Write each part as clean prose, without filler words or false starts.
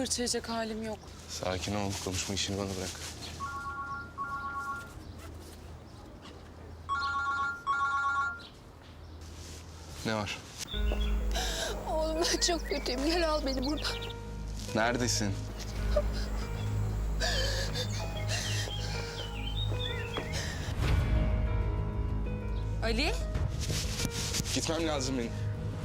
fırça yiyecek halim yok. Sakin ol. Konuşma işini bana bırak. Ne var? Oğlum ben çok kötüyüm. Gel al beni buradan. Neredesin? Ali? Gitmem lazım benim.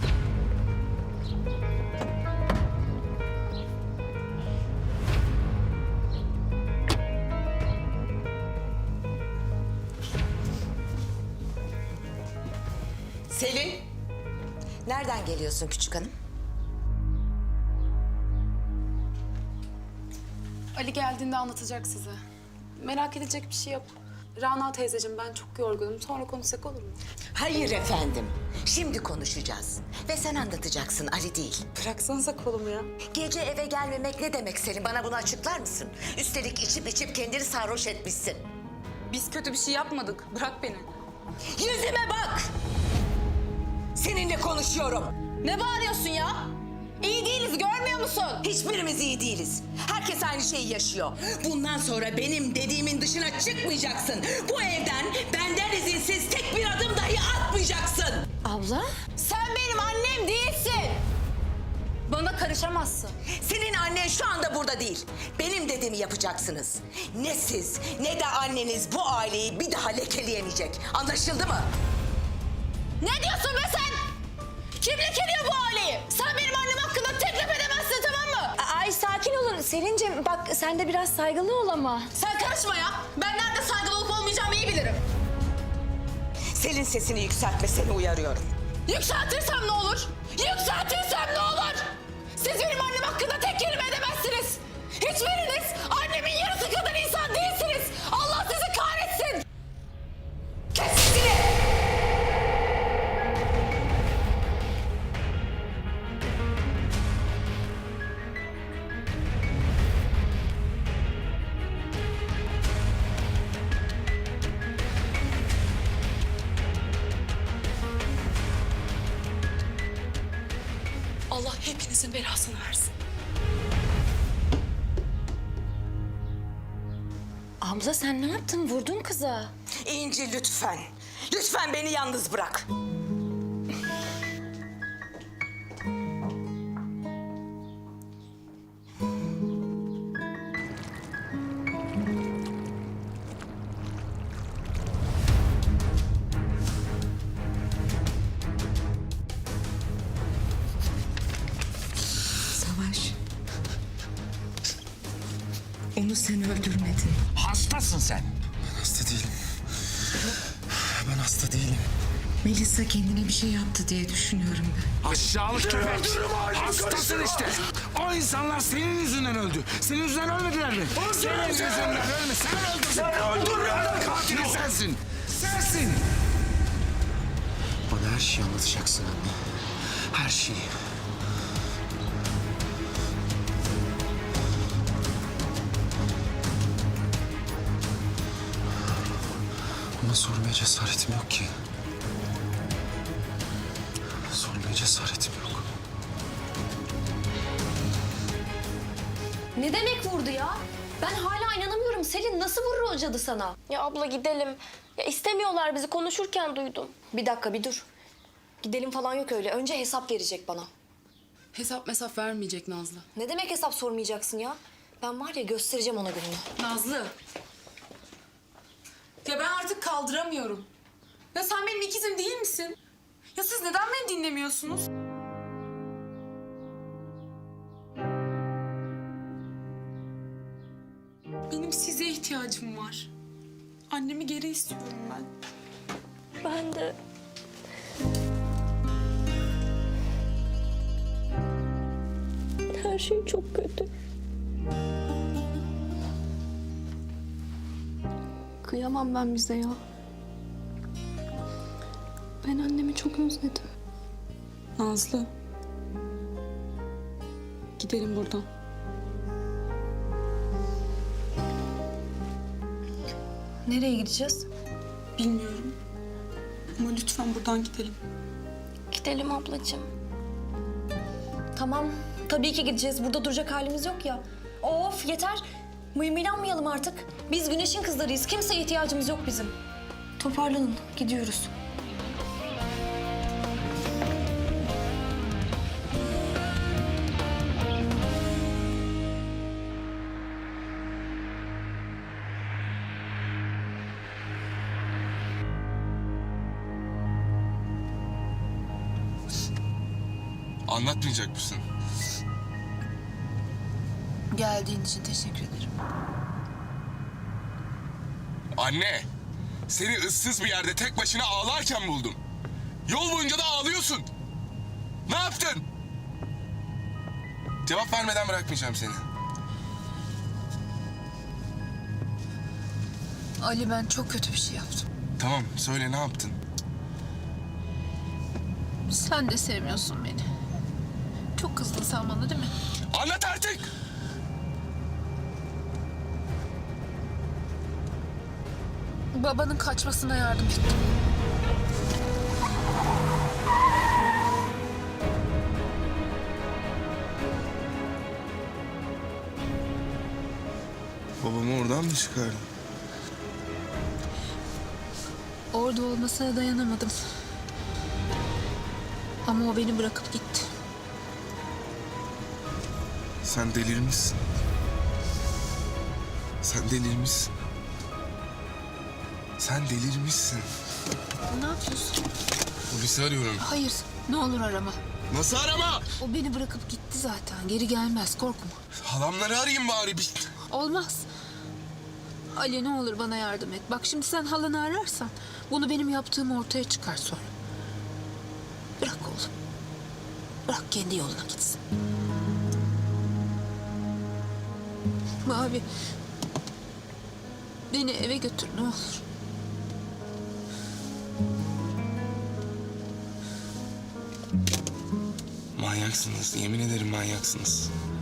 Selin, nereden geliyorsun küçük hanım? Ali geldiğinde anlatacak size. Merak edecek bir şey yok. Rana teyzeciğim ben çok yorgunum. Sonra konuşsak olur mu? Hayır efendim, şimdi konuşacağız. Ve sen anlatacaksın, Ali değil. Bıraksanıza kolumu ya. Gece eve gelmemek ne demek Selin? Bana bunu açıklar mısın? Üstelik içip kendini sarhoş etmişsin. Biz kötü bir şey yapmadık. Bırak beni. Yüzüme bak! Seninle konuşuyorum. Ne bağırıyorsun ya? İyi değiliz, görmüyor musun? Hiçbirimiz iyi değiliz. Herkes aynı şeyi yaşıyor. Bundan sonra benim dediğimin dışına çıkmayacaksın. Bu evden benden izinsiz tek bir adım dahi atmayacaksın. Abla? Sen benim annem değilsin. Bana karışamazsın. Senin annen şu anda burada değil. Benim dediğimi yapacaksınız. Ne siz ne de anneniz bu aileyi bir daha lekeleyemeyecek. Anlaşıldı mı? Ne diyorsun be sen? Kim lekeliyor bu aileyi? Sen benim annem hakkında teklif edemezsin, tamam mı? Ay sakin olun Selin'cim, bak sen de biraz saygılı ol ama. Sen karışma ya. Ben nerede saygılı olup olmayacağımı iyi bilirim. Selin sesini yükseltme, seni uyarıyorum. Yükseltirsem ne olur? Yükseltirsem ne olur? Siz benim annem hakkında tek kelime edemezsiniz. Hiçbiriniz annemin yarısı kadar insan değilsiniz. Allah sizi kahretsin. Kes sesini. Allah hepinizin belasını versin. Abla sen ne yaptın? Vurdun kıza. İnci lütfen. Lütfen beni yalnız bırak. Savaş. Onu sen öldürmedin. Hastasın sen. Hasta değilim. Ben hasta değilim. Melisa kendine bir şey yaptı diye düşünüyorum ben. Aşağılık köpek. Hastasın işte. O insanlar senin yüzünden öldü. Senin yüzünden ölmediler mi? Senin yüzünden ölme. Sen öldürdün. Sen öldürdün. Katili sensin. Sensin. Bana her şeyi anlatacaksın anne. Her şeyi. Ama sormaya cesaretim yok ki. Sormaya cesaretim yok. Ne demek vurdu ya? Ben hala inanamıyorum. Selin nasıl vurur o cadı sana? Ya abla gidelim. Ya istemiyorlar bizi, konuşurken duydum. Bir dakika bir dur. Gidelim falan yok öyle. Önce hesap verecek bana. Hesap vermeyecek Nazlı. Ne demek hesap sormayacaksın ya? Ben var ya göstereceğim ona gününü. Nazlı. Ya ben artık kaldıramıyorum. Ya sen benim ikizim değil misin? Ya siz neden beni dinlemiyorsunuz? Benim size ihtiyacım var. Annemi geri istiyorum ben. Ben de. Her şey çok kötü. Kıyamam ben bize ya. Ben annemi çok özledim. Nazlı. Gidelim buradan. Nereye gideceğiz? Bilmiyorum. Ama lütfen buradan gidelim. Gidelim ablacığım. Tamam Tabii ki gideceğiz. Burada duracak halimiz yok ya. Of yeter. Mıyımılanmayalım artık. Biz güneşin kızlarıyız. Kimseye ihtiyacımız yok bizim. Toparlanın. Gidiyoruz. Anlatmayacak mısın? Geldiğin için teşekkür ederim. Anne, seni ıssız bir yerde tek başına ağlarken buldum. Yol boyunca da ağlıyorsun. Ne yaptın? Cevap vermeden bırakmayacağım seni. Ali, ben çok kötü bir şey yaptım. Tamam, söyle ne yaptın? Sen de sevmiyorsun beni. Çok kızdın sen bana değil mi? Anlat artık! Babanın kaçmasına yardım ettim. Babamı oradan mı çıkardın? Orada olmasına dayanamadım. Ama o beni bırakıp gitti. Sen delirmişsin. Sen delirmişsin. Sen delirmişsin. Ne yapıyorsun? Polisi arıyorum. Hayır, ne olur arama. Nasıl arama? O beni bırakıp gitti zaten. Geri gelmez, korkma. Halamları arayayım bari bir. Olmaz. Ali, ne olur bana yardım et. Bak şimdi sen halanı ararsan bunu benim yaptığım ortaya çıkar sonra. Bırak oğlum. Bırak kendi yoluna gitsin. Mavi. Beni eve götür ne olur. Manyaksınız. Yemin ederim manyaksınız.